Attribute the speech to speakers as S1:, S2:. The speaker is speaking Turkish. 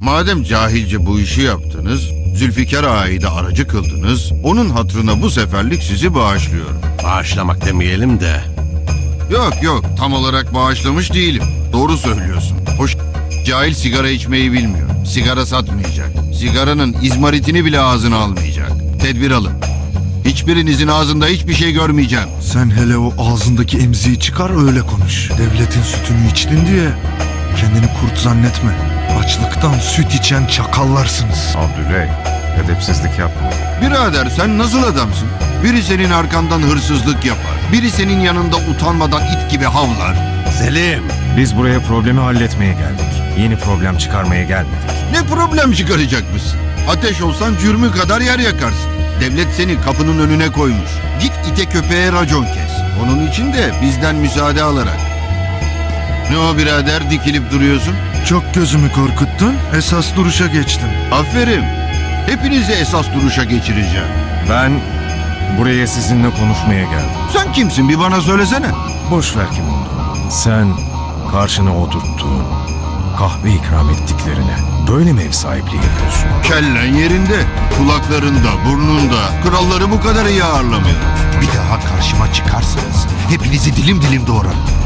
S1: Madem cahilce bu işi yaptınız, Zülfikar Ağa'yı da aracı kıldınız, onun hatırına bu seferlik sizi bağışlıyorum.
S2: Bağışlamak demeyelim de.
S1: Yok, tam olarak bağışlamış değilim. Doğru söylüyorsun. Hoş cahil sigara içmeyi bilmiyor. Sigara satmayacak. Sigaranın izmaritini bile ağzına almayacak. Tedbir alın. Hiçbirinizin ağzında hiçbir şey görmeyeceğim.
S3: Sen hele o ağzındaki emziği çıkar öyle konuş. Devletin sütünü içtin diye kendini kurt zannetme. Açlıktan süt içen çakallarsınız.
S4: Abdüley, edepsizlik yapma.
S1: Birader sen nasıl adamsın? Biri senin arkandan hırsızlık yapar. Biri senin yanında utanmadan it gibi havlar.
S2: Selim.
S4: Biz buraya problemi halletmeye geldik. Yeni problem çıkarmaya gelmedik.
S1: Ne problem çıkaracakmışsın? Ateş olsan cürmü kadar yer yakarsın. Devlet seni kapının önüne koymuş. Git ite köpeğe racon kes. Onun için de bizden müsaade alarak. Ne o birader dikilip duruyorsun?
S3: Çok gözümü korkuttun, esas duruşa geçtim.
S1: Aferin. Hepinizi esas duruşa geçireceğim.
S4: Ben buraya sizinle konuşmaya geldim.
S1: Sen kimsin bir bana söylesene.
S4: Boş ver kim olduğunu. Sen karşına oturttuğun, kahve ikram ettiklerine böyle mi ev sahipliği yapıyorsun?
S1: Kellen yerinde, kulaklarında, burnunda. Kralları bu kadar iyi ağırlamıyor.
S5: Bir daha karşıma çıkarsanız hepinizi dilim dilim doğrarım.